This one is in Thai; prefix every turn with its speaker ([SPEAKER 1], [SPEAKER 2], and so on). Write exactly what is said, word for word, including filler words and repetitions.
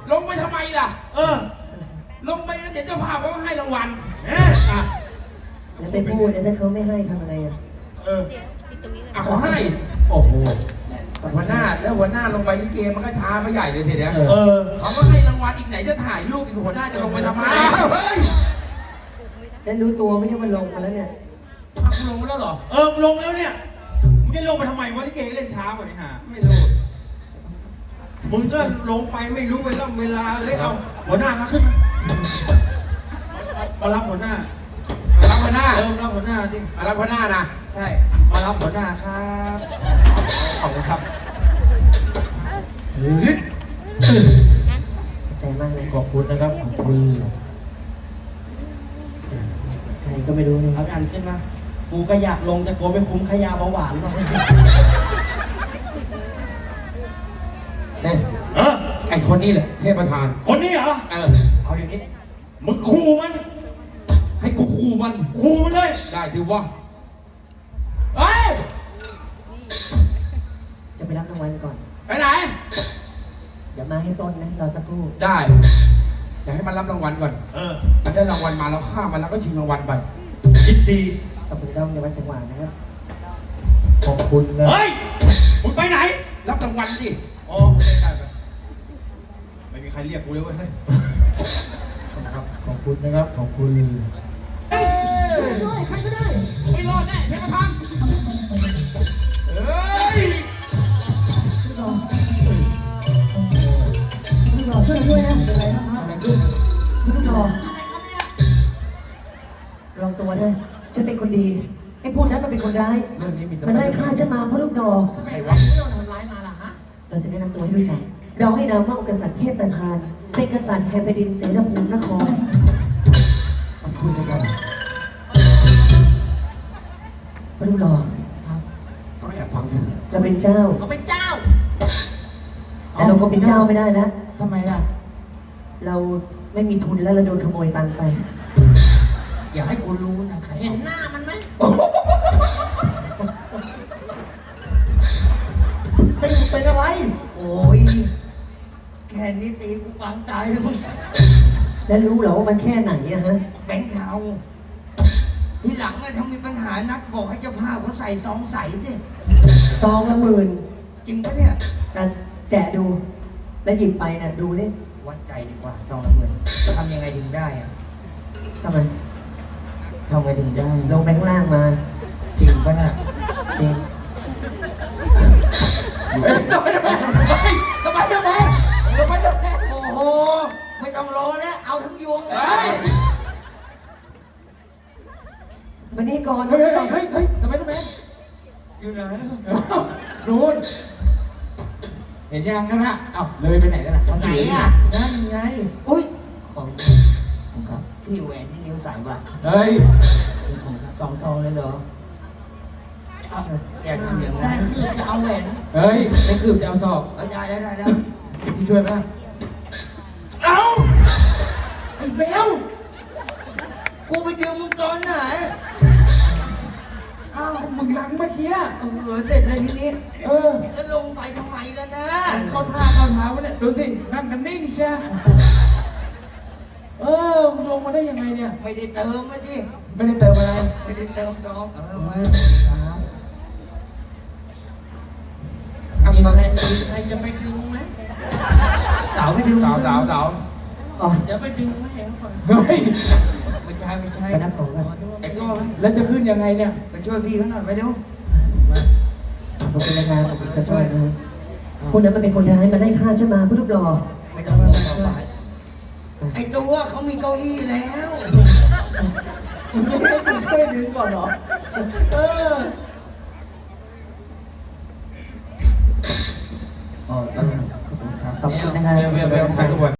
[SPEAKER 1] ลงไปทำไมล่ะ
[SPEAKER 2] เออ
[SPEAKER 1] ลงไปแล้วเดี๋ยวเจ้าภาพเขาให้รางวัล
[SPEAKER 2] เอ๊ะ
[SPEAKER 3] แล้วไปพูดแล้วถ้าเขาไม่ให้ทำอะไรอ่ะ
[SPEAKER 2] เออ
[SPEAKER 1] อ่ะเขาให้โอ้โหหัวหน้าแล้วหัวหน้าลงไปลิเกมันก็ช้าไปใหญ่เลยทีเดียว
[SPEAKER 2] เออ
[SPEAKER 1] เขาก็ให้รางวัลอีกไหนจะถ่ายรูปอีกหัวหน้าจะลงไปทำไม
[SPEAKER 3] แล้วรู้ตัวไม่ใช่มันลงมาแล้วเนี่ย
[SPEAKER 1] อ่ะลงมาแล้วเหรอ
[SPEAKER 2] เออลงแล้วเนี่ยมึงจะลงไปทำไมวะลิเกเล่นช้ากว่านี้ฮะ
[SPEAKER 1] ไม่รู้
[SPEAKER 2] มึงก็ลงไปไม่รู้เวลาเวลาเลยเอาหัวหน้ามาขึ้นมารับหัวหน้า
[SPEAKER 1] มารับหัวหน้า
[SPEAKER 2] เออรับหัวหน้าสิ
[SPEAKER 1] มารับหัวหน้านะ
[SPEAKER 2] ใช่มารับหัวหน้าครับขอบคุณครับ
[SPEAKER 3] ใจมากเลย
[SPEAKER 1] ขอบคุณนะครับขอบคุณ
[SPEAKER 3] ใครก็ไม่รู้เลย
[SPEAKER 2] เอาอันขึ้นมากูก็อยากลงแต่กลัวไม่คุ้มขยาเบาหวานหรอก
[SPEAKER 1] เนี่ยเออไอคนนี้แหละเทพประธาน
[SPEAKER 2] คนนี้เหรอ
[SPEAKER 1] เออ
[SPEAKER 2] เอาอย่างนี้มึงขู่มัน
[SPEAKER 1] ให้กูขู่มัน
[SPEAKER 2] ขู่มันเลย
[SPEAKER 1] ได้ถือว่าเฮ้ย
[SPEAKER 3] จะไปรับรางวัลก่อน
[SPEAKER 1] ไปไหน
[SPEAKER 3] เดี๋ยวมาให้ต้นนะรอสักครู่
[SPEAKER 1] ได้อยากให้มันรับรางวัลก่อน
[SPEAKER 2] เออ
[SPEAKER 1] มันได้รางวัลมาแล้วฆ่ามันแล้วก็ชิงรางวัลไป
[SPEAKER 2] คิดดี
[SPEAKER 3] ขอบคุณด้อมในวัดสว่างนะครับ
[SPEAKER 1] ขอบคุณนะ
[SPEAKER 2] เฮ้ยมึงไปไหน
[SPEAKER 1] รับรางวัลสิ
[SPEAKER 2] อ๋อไม่ได้ไปไม่มีใครเรียกกูเลยเว้ยเฮ้ย
[SPEAKER 1] ครับขอบคุณนะครับขอบคุณเอ้ยใครก็ได้ไม่รอดแน่เทพประธานเฮ้ย
[SPEAKER 3] พี่รอพี่รอช่วยด้วยนะเป็นไรนะครับอะไรขึ้นพี่รออะไรครับเนี่ยลองตัวด้วยฉันเป็นคนดีไอ้พวกนั้นมันเป็นคนร้ายมันไล่ฆ่าฉันมาเพราะลูกดอก
[SPEAKER 1] ใครวะ
[SPEAKER 3] โดนทำร้ายมาล่ะฮะเราจะแนะนำตัวให้รู้จักเราให้นามว่ากษัตริย์เทพประธานเป็นกษัตริย์แห่งแผ่นดินเสนาภูมินคร
[SPEAKER 1] ขอบคุณนะครับ
[SPEAKER 3] พระลูกหล่อ
[SPEAKER 1] ครับเขาอยากฟัง
[SPEAKER 3] จะเป็นเจ้า
[SPEAKER 1] เขาเป็นเจ้า
[SPEAKER 3] แต่เราก็เป็นเจ้าไม่ได้แล้ว
[SPEAKER 1] ทำไมล่ะ
[SPEAKER 3] เราไม่มีทุนแล้วเราโดนขโมยตังค์ไป
[SPEAKER 1] อย่าให้กูรู้นะใคร
[SPEAKER 4] เห็นหน้ามันไหม
[SPEAKER 3] เป็นเป็นอะไร
[SPEAKER 4] โอ้ยแค่นี้ตีกูปังตายแล้วมึง
[SPEAKER 3] แล้วรู้เหรอว่ามันแค่ไหนอะฮะ
[SPEAKER 4] แบงค์เทาทีหลังอะถ้ามีปัญหานักบอกให้เจ้าภาพเขาใส่ซองใส่สิ
[SPEAKER 3] ซองละหมื่น
[SPEAKER 4] จริงปะเนี่ย
[SPEAKER 3] แต่แกะดูแล้วหยิบไปน่ะดูดิ
[SPEAKER 4] วัดใจดีกว่าซองละหมื่นจะทำยังไงถึงได้อะ
[SPEAKER 3] ทำไม
[SPEAKER 4] ทำไงถึงได้
[SPEAKER 3] ลงไปข้างล่างมา
[SPEAKER 4] จริงปะน่ะ
[SPEAKER 3] จริง
[SPEAKER 1] ทำไมทำไมทำไมทำไมทำไมทำไม
[SPEAKER 4] โอ้โหไม่ต้องรอแล้วเอาทั้งยวง
[SPEAKER 1] เลย
[SPEAKER 3] มานี่ก่อน
[SPEAKER 1] เฮ้ยเฮ้ยเฮ้ยทำไมทำไม
[SPEAKER 4] อยู่ไหน
[SPEAKER 1] รู้เห็นยังกันนะเอ้าเลยไปไหนแล้วล่ะ
[SPEAKER 4] ไหนอ่ะ
[SPEAKER 3] นั่นไง
[SPEAKER 4] อุ้ย
[SPEAKER 3] ของ
[SPEAKER 4] ของครับพี่แหวนที่นิ้วใส่บ่ะ
[SPEAKER 1] เฮ้ย
[SPEAKER 4] สองซองเลยเหรออยากทำอย่างนั้นคือจะเอาแหวน
[SPEAKER 1] เฮ้ยไม่คืบจะเอาศอก
[SPEAKER 4] ได้ได้ได้ได้
[SPEAKER 1] พี่ช่วยไหมเอาไอ้เบล
[SPEAKER 4] กูไปดึงมึงตอนไหน
[SPEAKER 1] อ้าวมึงหลังเมื่อกี้
[SPEAKER 4] เออเสร็จเลยทีนี้
[SPEAKER 1] เออ
[SPEAKER 4] แล้วลงไปทำไมแล้วนะ
[SPEAKER 1] เข้าท่าเข้าเท้าวะเนี่ยดูสินั่งกันนิ่งใช่เออมึงลงมาได้ยังไงเนี่ย
[SPEAKER 4] ไม่ได้เติมมาดิ
[SPEAKER 1] ไม่ได้เติมอะไร
[SPEAKER 4] ไม่ได้เติมซองเออมา
[SPEAKER 1] มีใครใครจะไปดึงไหม
[SPEAKER 4] เต๋าไปดึง
[SPEAKER 1] เต๋าเต๋าเต๋า
[SPEAKER 3] อ๋อ
[SPEAKER 4] จะไปดึงไหม
[SPEAKER 1] เฮ้ย
[SPEAKER 4] ไม่ใช่ไม่ใช่
[SPEAKER 3] ไปนับของกัน
[SPEAKER 4] ไอ้ก็ไหม
[SPEAKER 1] แล้วจะขึ้นยังไงเนี่ย
[SPEAKER 4] ไปช่วยพี่เขาหน่อยไปเร็ว
[SPEAKER 3] ขอบคุณนะครับขอบคุณจะช่วยนะคนนั้นมันเป็นคนร้ายมันไล่ฆ่าฉันมาเพื่อรูปหล่อ
[SPEAKER 4] ไม่ต้องมาช่วยไอ้ตัวเขามีเก้าอี้แล้ว
[SPEAKER 3] ไม่ได้คุณช่วยดึงก่อนเหรอเออ
[SPEAKER 4] อ๋อขอบคุณครับ
[SPEAKER 3] ขอบคุณนะครับ
[SPEAKER 1] เบลเบลเบลใครทุกคน